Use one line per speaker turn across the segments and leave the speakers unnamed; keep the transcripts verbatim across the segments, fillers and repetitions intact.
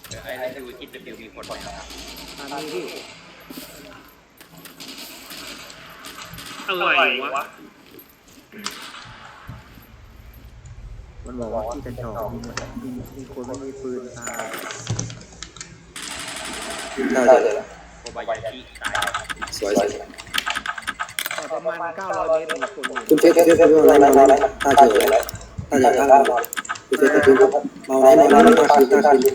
ไอ้ไอ้ดูคิดจะมีคนไหมครับ
มีพี่
อะไรวะ
มันบอกว่าที่จะจอบมีมีคนไม่มีปืนตาย
น่าจะเลย
โคบายาชิตาย
สวยสวย
ประมาณเก้าร้อยเมตรมีคนอยู่
คุณเฟสเฟสคุณว่าอะไรมาตาเจอเลยตาเจอตาเราคุณเฟสคุณเมาไหนเมาไหนตาคืนตาคืน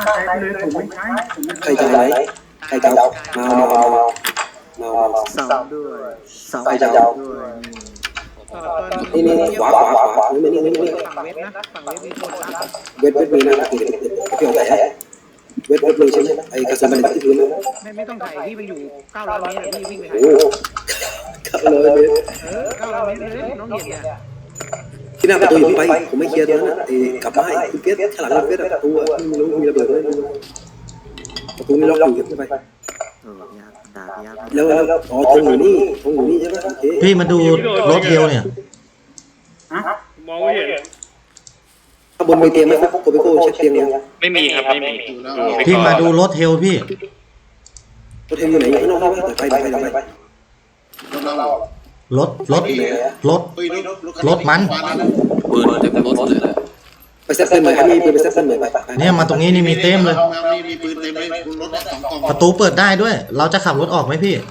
ใครจะไหนใครจะเมาเมาเมาเมาเมา
เสาด้วยเสา
ใครจะเอา
ด้วย
นี่นี่ขวาขวาขวาขวานี่นี่นี่นี่
ฝั่งเวทนะฝั่งเวทมีคนนะ
เวทเวทมีนะเกี่ยวกับไหนเวทเวทมีใช่ไหมไอ้กระสุนมันที่พื้นนะ
ไม่ไม่ต้องถ่ายพี่มันอยู่เก้าร้อยเมตรพี่วิ่งไปถ่าย
โอ้ขับเลย
เออเก้าร้อยเมตรเลยน้องเห็นเนี่ย
ที่หน้าประตูอยู่ไปผมไม่เคลียร์ตัวนั้นไอ้กลับมาไอ้คุณเฟสข้างหลังคุณเฟสประตูไม่รู้มีระเบิดไหมประตูนี่ล็อกอยู่ขึ้นไป
เออยากด่ายาก
แล้วแล้วอ๋อตรงอยู่นี่ตรงอยู่นี่ใช่ไหมโอเค
พี่มาดูรถเทลเนี่ย
มองไม่เห็น
ข้างบนมีเตียงไหมครับโกเบโก้เช็คเตียงยัง
ไม่มีครับไม่มี
พี่มาดูรถเทลพี่
รถเทมอยู่ไหนอยู่ข้างนอกใช่ไหมเปิดไฟเปิดไฟเปิดไฟ
รถรถรถรถมัน
ปืนเต็มรถเลย
ไปเซ็ตเต็มเลยครับมีปืนไปเซ็ตเต็มเลยไป
เนี่ยมาตรงนี้นี่มีเต็มเลย
มีปืนเต็มเลยบนรถสองกล่อง
ประตูเปิดได้ด้วย เราจะขับรถออกไหมพี่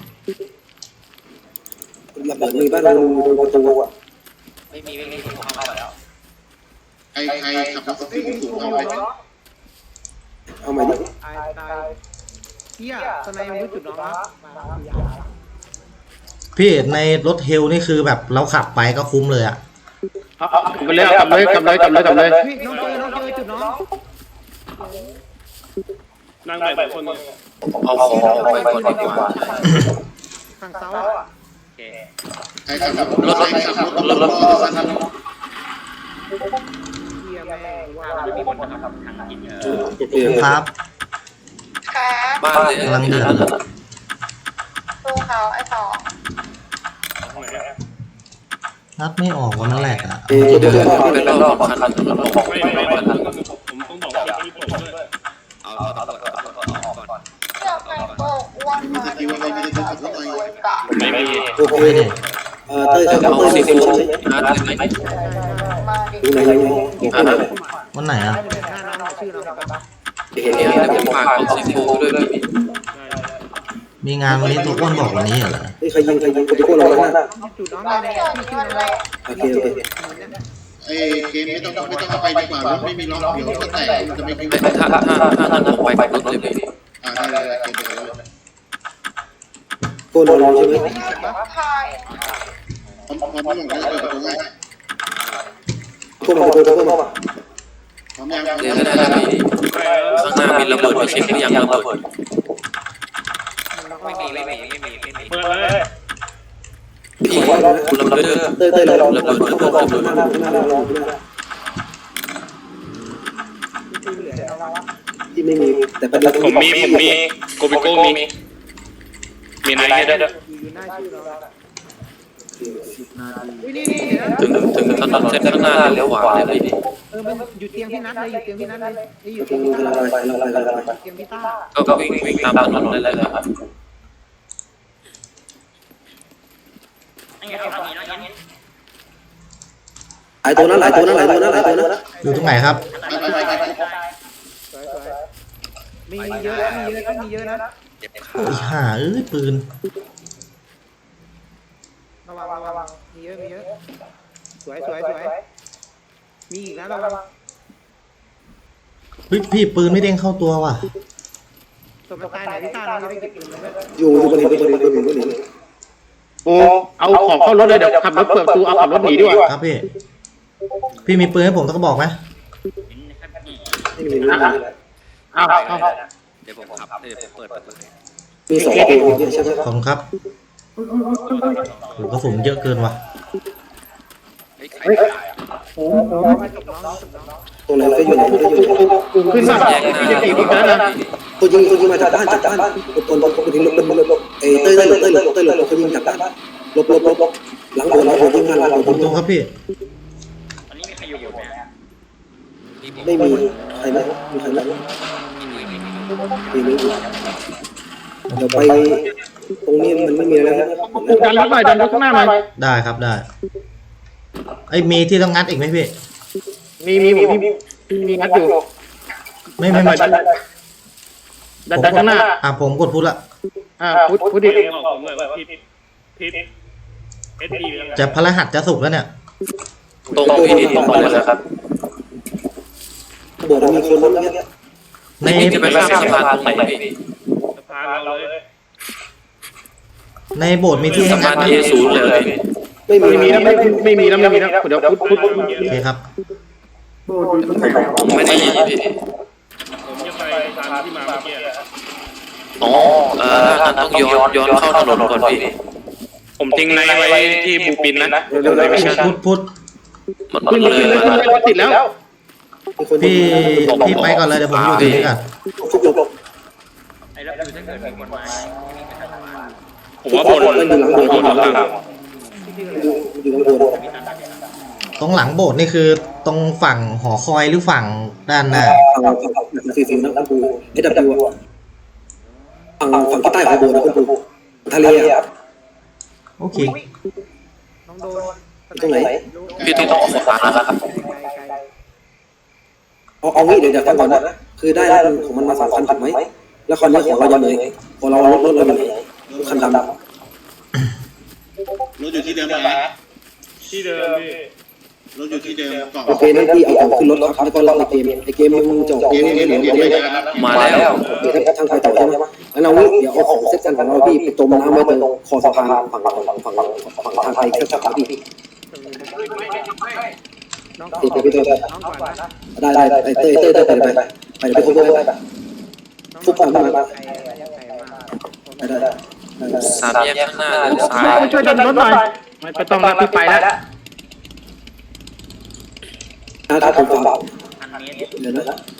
ระเบิดมีบ้านเราดูประตูอ่ะ
ไม่มีไม่มีผมเข้ามาแล้ว
ใครใครขับรถสปีดสูงเอาไป
เอาใหม่ดิ
ตายตายเฮียสไนมันรู้จุดน้องครับ
พี่ในรถเทลนี่คือแบบเราขับไปก็คุ้มเลยอะ
ไปเลยกลับเลยกลับเลยกลับเลยกลับเลย
พี่น้องเจอน้องเจอจุดน้อง
นั่งไปคนนึง
เอาของไปก่อนดีกว่า
ฝั่งเสาอ่ะ
โอเค
ใครขับรถใครขับรถรถรถรถสั้น
เฮียแม่ว่า
ไม่มีคนนะครับทางกินเออ
โอเค
ครับ
บ้านเลย
กำลังเดือดเลย
ดูเขาไอ้สอง
นัดไม่ออกวันนั้นแหละอะ
เออเดี๋ยว
เป็นรอบคันรถลง
ไม่ไม่ไม่ผมต้องบอกว่าที่ผมด้วย
เอาเอาเอาเอาเอาก่อน
เจ้าไก่โตอ้วนมาดูแลเขาจะสวยกะ
ไม่มี
โอเคเออเต้ยขับรถ
เอา
เต้ย
ซี
ขับ
ฟู้
ร
ด
ถ
อาร์ตเลยไหม
มาดิ
ดูไหนยังไงโอเคไหน
วันไหนอะ
หน้าน้องชื่อน้องปะ
เห็น
เนี่
เนี่ย ย
จะฝากของซีฟู้ดด้วยพี่
มีงานวันนี้ตัวอ้วนบอกวันนี้เหรอ
นี่ใครยิงใครยิงโกเบโก้เราแล้วนะ
จุดน้อง
มา
แน่
เที่ยว
ๆ
นี้
ชื่อ
วัน
น้
แร
อง
ก
โอเคโอเค
ไอ้เกมไม่ต้องไม่ต้องไปดีกว่ารถไม่มีล็อกเดี๋ยวก็แตกจะไม่ถ้าถ้าถ้าถ้านั่งไปรถเลยพี่อ่าได้ได้เกมไปเลย
โกนเราใช่ไหม
ไทย
พร้อมพร้อมไม่หมดแล้วเปิดประตูให้
โกนมาโกนมาโกนมา
พร้อมยังเดี๋ยวได้ได้พี่ข้างหน้ามีระเบิดไปเช็คหรือยังระเบิด
ไม่มีไม่มีไม่มีไม่มี
เปิดเลย
พี่ระเบิด
เต้ยเต้ยเรา
ระเบิดระเบิดระเบิด
หน้าหน้าเราที่ไม่มีแต่ประเด็น
ผมมีผมมีโกบิโก้มีมีไหนให้ด้วย
อยู่หน้าชื่อน้องสิบนาทีนี่นี่นะ
ถึงถึงถนนเส้นข้างหน้าเลี้ยวขวาเลยพี่
เออมันอยู่เตียงพี่นัทเลยอยู่เตียงพี่นัทเลยอยู่
กำลังไปกำลังไปกำลังไป
เตียงพี่ต้า
ก็วิ่งวิ่งตามถนนได้เลยครับ
นั่นไงเอามีนั่นไง
หลายตัวนั้นหลายตัวนั้นหลายตัวนั้นหลายตัวนั้น
อยู่ตรงไหนครับ
ไปไปไป
สวยสวยมีมีเยอะมีเยอะนะมีเยอะนะ
เจ็บขา
โอ้ยห่าเอ้ยปืน
ระวังระวังมีเยอะมีเยอะสวยสวยสวยมีอีกนะระวัง
เฮ้ยพี่ปืนไม่เด้งเข้าตัวว่ะ
สมตายไหนพี่ต้าเราจะไปเก็บปืนเลย
อยู่อยู่บนหินบนหินบนหินบนหิน
โอ้เอาของเข้ารถเลยเดี๋ยวขับรถเปิดประตูเอาขับรถหนีดีกว่า
ครับพี่ พี่มีปืนให้ผมสักกระบอกไหม
ไม่มีไม่มี
เอาเอา
เดี๋ยวผมขับเดี๋ยวผมเปิดประตู
มีสองตัวใช่ไหม
ขอบคุณครับโอ้กระสุนเยอะเกินว่ะ
เฮ้ยใครตายอ่ะ
ตัวไหนก็อยู่ไหนก็อยู่
ขึ้นมาพี่จะตีคนนั้นนะ
ตัวยิงตัวยิงมาจากบ้านจากบ้านตัวตัวตัวทิ้งลบลบลบลบเอ้เต้ยเต้ยเต้ยเต้ยเต้ยเขายิงจากบ้านลบลบลบลบหลังโดนหลังโดนยิงงานหลังโดน
ผมตรงครับพี่
อันนี้มีใครอยู่ไหม
ไม่มีใครไหมมีใครไหม
มี
ทีนี้เดี๋ยวไปตรงนี้มันไม่มีอะไรแล้ว
ดันรถหน่อยดันรถข้างหน้าหน่อย
ได้ครับได้ไอ้ยมีที่ต้องงัดอีกไหมพี่
มีมีมีมีมีงัดอยู่
ไม่ไม่ไม่
ดันดันดันข้างหน้า
อ่ะผมกดพุทธละ
อ่าพุทธพุทธดิ
จะพระหัสจะสุกแล้วเนี่ย
ตรงพี่ตรงไปเลยครับ
โบสถ์มันมีคนล้มแล้วเนี่ย
ใน
จะไปข้ามสะพานตรงไหนพี่
ในโบสถ์มีที่ให้
สะ
งั
พา
ด
น
ไหม
ที่ศูนย์เลยพี่
ไม่มี
ไม่มีแล้วไม่ไม่มีแล้วไม่มีแล้วเดี๋ยวพุทธพุทธ
โอเคครับ
ผมไม่ได้ยินพี่อ๋อเอองั้นต้องย้อนย้อนเข้าถนนก่อนพี่
ผมทิ้งไนท์ไว้ที่บูปินนะ
เร็วๆเลย
พุทธพุทธ
มัน
ขึ้น
เล
เลย ย
มา
รถติดแล้ว
มีคน
พี่พี่ไปก่อนเลยเดี๋ยวผมอยู่ตรงนี้ก่อน
ทุกหลบ
ผมว่าบน
มันอยู่หลังโบสถ์
บนหลัง
อยู่หลังโบสถ์
ตรงหลังโบสถ์นี่คือตรงฝั่งหอคอยหรือฝั่งด้านหน้า
ฝั่งฝั่งสี่สิบนะคุณปูเอดับยูฝั่งฝั่งที่ใต้ของโบสถ์นะคุณปูทะเลอ่ะ
โอเค
น้องโดน
ตรงไหน
พี่ต้องออกขวานะครับ
เอาเอางี้เดี๋ยวเดี๋ยวฟังก่อนนะคือได้แล้วของมันมาสองคันถูกไหมแล้วคันนี้ของเรายังไงพอเรารถรถเราอยู่ไหนคันดำ
รถอยู่ที่เดิมนะ
ที่เดิมพี่
รถอยู่ที่เดิมเกาะ
โอเคนั่นพี่เอาของขึ้นรถครับแล้วก็ล็อกในเกมไอเกมมันจะออก
เก
เก
ม
ม
นี้
ไม่
เดี๋
เห
ยว
ลือ
เดี๋ยว
เก
ไป
ม
กันนะ
มาแล้ว
โอเคทางทางไปต่อใช่ไหมแล้วเราเดี๋ยวเอาของเซ็ตกันของเราพี่ไปจมน้ำไว้ตรงคอสะพานฝั่งฝั่งฝั่งฝั่งฝั่งทางไทยแค่สักพี่
น้อง
ติดไปพี่เต้
น้องก่อนนะ
ได้ได้ไอเต้เต้เต้ไปไปไปไปไปทุบด้วยทุบฝั่งมาได้ได้ได้
สามแยกข้างหน้าเลี้ยวซ้าย
ช่วยดันรถหน่อยไม่ต้องแล้วพี่ไปแล้ว
ถ้าผมฝั่งเดี๋ยวนะ